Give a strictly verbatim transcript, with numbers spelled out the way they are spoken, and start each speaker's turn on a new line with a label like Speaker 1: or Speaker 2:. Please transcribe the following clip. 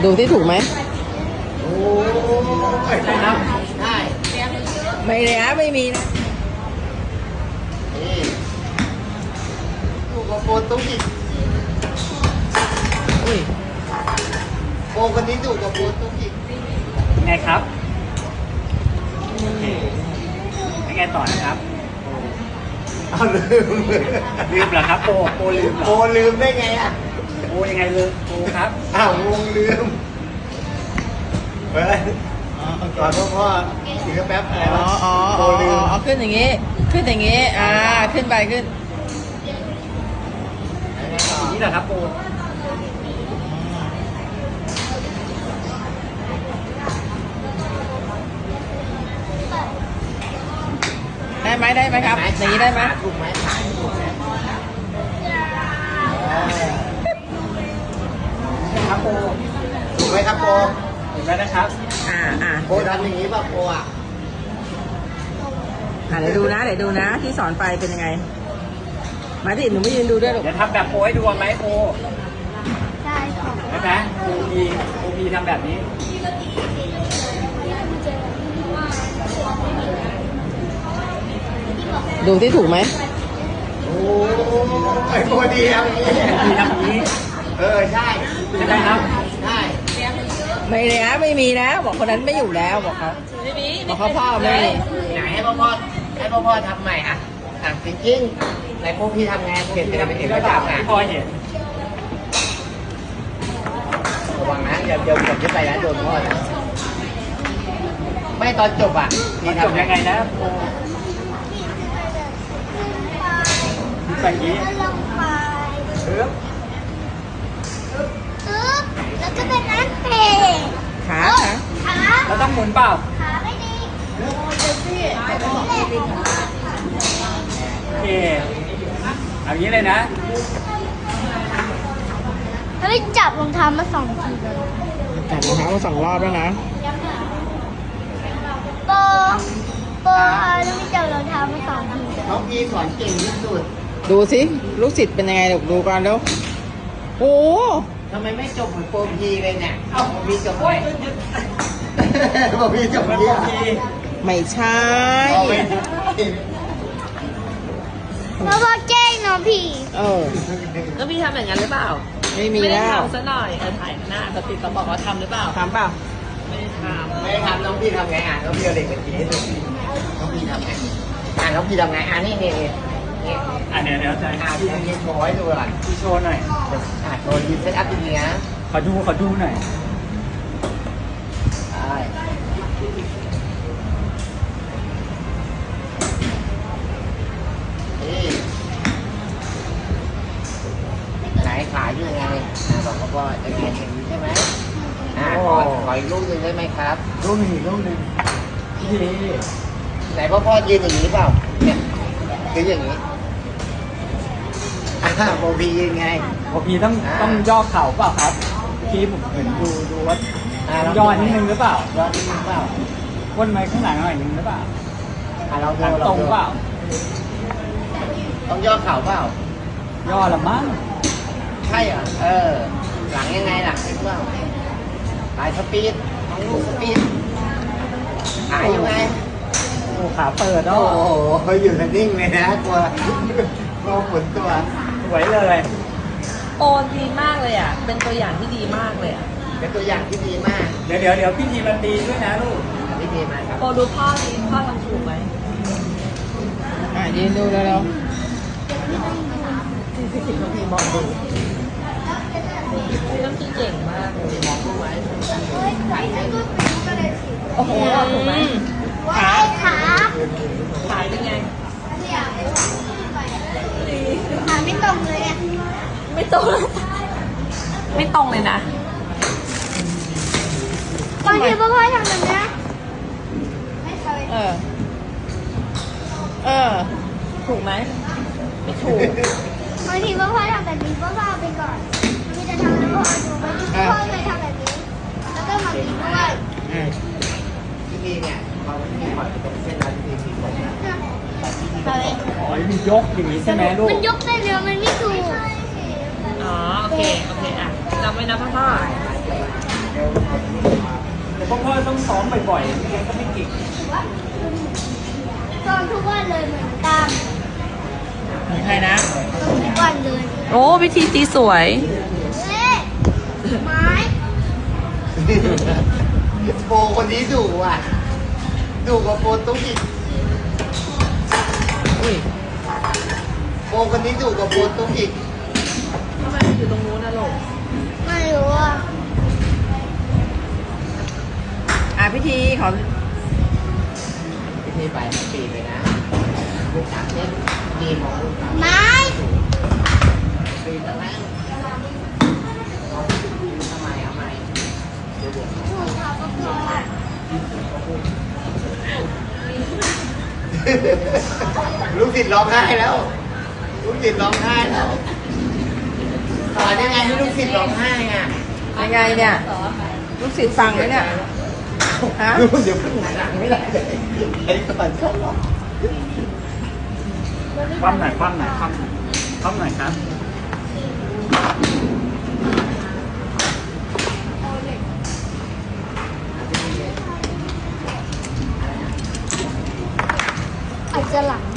Speaker 1: ดูที่ถูกไหม
Speaker 2: โอ้ยครับได้
Speaker 1: ไม่เลยนะไม่มีนะ
Speaker 2: นี่ถูกกับโปรตุกิส
Speaker 1: อุ้ย
Speaker 2: โปรคนนี้ถูกกับโปรตุกิส
Speaker 3: ไงครับโอเคยังไงต่อนะครับ
Speaker 2: เอาลืม
Speaker 3: ลืมเหรอครับโปโปลืมเหร
Speaker 2: โปร
Speaker 3: อ
Speaker 2: ลืมได้ไงอ่ะ
Speaker 3: โปยังไงลืมโปครับ
Speaker 2: อ้าวงงลืมเฮ้ยก่อนพ่อพ่อถือแป๊บอะไร
Speaker 1: อ๋อ
Speaker 2: วะ
Speaker 1: อ๋อ
Speaker 2: โปร
Speaker 1: อ๋อ
Speaker 2: ลืม
Speaker 1: อ๋อขึ้นอย่างงี้ขึ้นอย่างงี้อ่าขึ้นไปขึ้น
Speaker 3: นี่เหรอครับโป
Speaker 1: ได้ไหมได้ไหมครับอย่างนี้ได้ไหม
Speaker 2: ถูกไหมขาถูกไหม
Speaker 3: ครับโป
Speaker 2: ถูกไหมครับโปร
Speaker 3: เห็นไหมนะครับ
Speaker 1: อ่าอ่า
Speaker 2: โปรทำอย่างนี้ป่ะโปรอ่ะ
Speaker 1: อ่าเดี๋ยวดูนะเดี๋ยวดูนะที่สอนไปเป็นยังไงมาดิหนูไม่ยืนดูด้วยหรอก
Speaker 3: เดี๋ยวทำแบบโปให้ดูไหมโป
Speaker 4: ได้ค่ะ
Speaker 3: ใช่ไหมโปพีโปพีทำแบบนี้
Speaker 1: ดูที่ถูกไหม
Speaker 2: โอ้ยโปรดีทำอย่างนี้
Speaker 3: โปพีทำอย่างนี้
Speaker 2: เออใช่
Speaker 3: ใช่ไหมครับ
Speaker 2: ใช่
Speaker 1: ไม่เลยนะไม่มีนะบอกคนนั้นไม่อยู่แล้วบอกเขาบอกเขาพ่อไม่มี
Speaker 2: ไหนให้พ่อพ่อให้พ่อพ่อทำใหม่อ่ะอ่ะจริงๆไหนพวกพี่ทำไงเปลี่ยนเป็นเป็นประจำอ่ะ
Speaker 3: พอเห็น
Speaker 2: ระวังนะอย่าเดินกับที่ไปนะโดนพ่อนะไม่ตอนจบอ่ะ
Speaker 3: มันจบยังไงนะโปไปอย่างนี้
Speaker 4: แล้วลงไป
Speaker 3: ปึ๊บ
Speaker 4: ปึ๊บแล้วก็เป็นนั่นเพลง
Speaker 1: ขาขา
Speaker 4: ขา
Speaker 3: เราต้องหมุนเปล่า
Speaker 4: ขาไม่ดีนี่แหละ
Speaker 3: โอเคเอาอย่างนี้เลยนะ
Speaker 4: เฮ้ยจับรองเท้ามาสองทีเลย
Speaker 1: จับรองเท้ามาสองรอบแล้วนะ
Speaker 4: โปโปแล้วไม่จับรองเท้ามาสองที
Speaker 2: น้องพี่สอนเก่งที่สุด
Speaker 1: ดูสิลูกศิษย์เป็นยังไงลูกดูก่อนเร็วโอ้
Speaker 2: ทำไมไม่จบเหมือนโปรพีเลยเนี่ยเอ้าโปรพีจบไหมโปรพีจบ
Speaker 3: มัน
Speaker 2: เยี่
Speaker 3: โป
Speaker 2: ยม
Speaker 3: พี
Speaker 1: ไม่ใช่
Speaker 2: เอาไป
Speaker 4: เพราะว่าแกล้งน้องผี
Speaker 1: เออ
Speaker 5: แล้วพี่ทำอย่างนั้นหรือเปล่า
Speaker 1: ไม่มี
Speaker 5: ไม่ได้
Speaker 1: แล้ว
Speaker 5: ทำซะหน่อยเออถ่ายหน้าสติดต้องบอกว่าทำหรือเปล่า
Speaker 1: ทำเปล่า
Speaker 5: ไม่ได้ท
Speaker 2: ไม่ได้ทำน้องพี่ทำไงอ่ะน้องพี่เอาเด็กมาจีให้ดูน้องพี่ทำไงอ่ะน้องพี่ทำไงอ่ะนี่นี่นี่นี่
Speaker 3: อ่ะเดี๋ยวเดี๋ยวจะ
Speaker 2: อ่ะพี่ทำยิงโชว์ให้ดูก่อน
Speaker 3: พี่โชว์หน่อย
Speaker 2: อ่ะโชว์ยิงเซตอัพจริงๆนะ
Speaker 3: ขอดูขอดูหน่อย
Speaker 2: ใช่นี่ไหนขายอยู่ไงอ่ะบอกเขาว่าจะเรียนอย่างนี้ใช่ไหมอ่ะขอขออีกลูกหนึ่งได้ไหมครับ
Speaker 3: รูปหนึ่งอีกรูปหนึ่งพี่
Speaker 2: ไหนพ่อพ่อยืนอย่างนี้เปล่าเนี่ยยืนอย่างนี้อ่าโมบียืนไง
Speaker 3: โอพีต้อง
Speaker 2: อ่า
Speaker 3: ต้องย่อเข่าเปล่าครับพี่ผมเห็นดูดูว่า
Speaker 2: อ่าลง
Speaker 3: ย่อนิดนึงหรือเปล่า
Speaker 2: ย้อนนิดนึงเปล่า
Speaker 3: ก้นไม้ข้างหลังหน่อยนึงหรือเปล่า
Speaker 2: อ่าเรา
Speaker 3: หลัง
Speaker 2: ดู
Speaker 3: ต
Speaker 2: เรา
Speaker 3: รง
Speaker 2: ดู
Speaker 3: เปล่า
Speaker 2: ต้องย่อเข่าเปล่า
Speaker 3: ย่อละมั้ง
Speaker 2: ใช่เหรอเออ หลังยังไงหลังเห็นเปล่าหายสปีดต้องลูกสปีดหายยังไง
Speaker 3: โอ้ขาเปิด
Speaker 2: โอ้
Speaker 3: เนาะ
Speaker 2: โหอยู่นิ่งเลยนะกลัวกลัวฝนตัว
Speaker 3: สวยเลย
Speaker 5: ำโอดีมากเลยอ่ะ เป็นตัวอย่างที่ดีมากเลยอ่ะ
Speaker 2: เป็นตัวอย่างที่ดีมาก
Speaker 3: เดี๋ยวเดี๋ยวเดี๋ยวพี่ทีมันดีด้วยนะลูก
Speaker 2: ที่ดีมากครับ
Speaker 5: โอดูพ่อดีพ่อทำถูกไหม
Speaker 1: อ่ะยืนดูแล้ว
Speaker 5: พี่มองดูพี่ต้องพี่เก่งมากเลยมองดูไว้โอ้โหถูกไหม
Speaker 4: ขาขา
Speaker 5: ขายเป็นไง
Speaker 4: ขาไม่ตรงเลยอ่ะ
Speaker 5: ไม่ตรง ไม่ตรงเลยนะ
Speaker 4: บางทีพ่อพ่อทำแบบนี้
Speaker 1: เออเออ
Speaker 5: ถูกไหมไม่ถูก
Speaker 4: บางทีพ่อพ่อทำแบบนี้พ่อพ่อเอาไปก่อนมีจะทำให้พ่อดูบางทีพ่อพ่อเคยทำแบบนี้ แล้วก็มาบีบด้วย
Speaker 1: อ่ะ
Speaker 2: ที่นี่เนี่ยเขาที่ปล่อยเป็นเส้นนั้นที่ที่ผมเนี่ยแต่ที่นี่
Speaker 4: อะไร
Speaker 3: อ๋อมียกอย่างนี้ใช่ไหมลูก
Speaker 4: มันยกได้เร็วมันไม่ถูก
Speaker 5: อ๋อ โอเค โอเค อ่ะจำไว้นะพ่อพ่อ
Speaker 3: แต่พ่อพ่อต้องซ้อมบ่อยๆไม่งั้นก็ไม่เก่ง
Speaker 4: ตอนทุกวันเลยเหมือนกัน
Speaker 1: เหมือนใครนะ
Speaker 4: ตอนทุกวันเลย
Speaker 5: โอ้วิธีตีสวย
Speaker 4: เอ๊ะไม้
Speaker 2: โปรคนนี้ดุอ่ะดุกว่าโปรตุ๊กอีก
Speaker 1: อุ้ย
Speaker 2: โปรคนนี้ดุกว่าโปรตุ๊กอีก
Speaker 5: ทำไมอยู่ตรงนู้นนะลูก
Speaker 4: ไม่รู้อ่ะ
Speaker 1: อ่ะพิธีขอ
Speaker 2: พิธีไปปีเลยนะลูกสามเส้นดีมองลูกสาม
Speaker 4: ไม้
Speaker 2: ปีแล้วนะทำไมเอาใหม่เดี๋ยวเดี๋ยว
Speaker 4: ถูกเขาก็พออ่ะ
Speaker 2: ลูกศิษย์ร้องไห้แล้ว ลูกศิษย์ร้องไห้แล้วสอนยังไงให้ลูกศิษย์ร้องไห้อ่ะ
Speaker 1: ยังไงเนี่ย ลูกศิษย์ฟังไหมเนี่ย ฮะ
Speaker 2: ลูกเดี๋ยวเพิ่งหายหลังไม่ได้เลยไอ้ก่อนชอบร้อง
Speaker 3: คว่ำหน่อยคว่ำหน่อยคว่ำหน่อยคว่ำหน่อยครับ
Speaker 4: อาจจะหลัง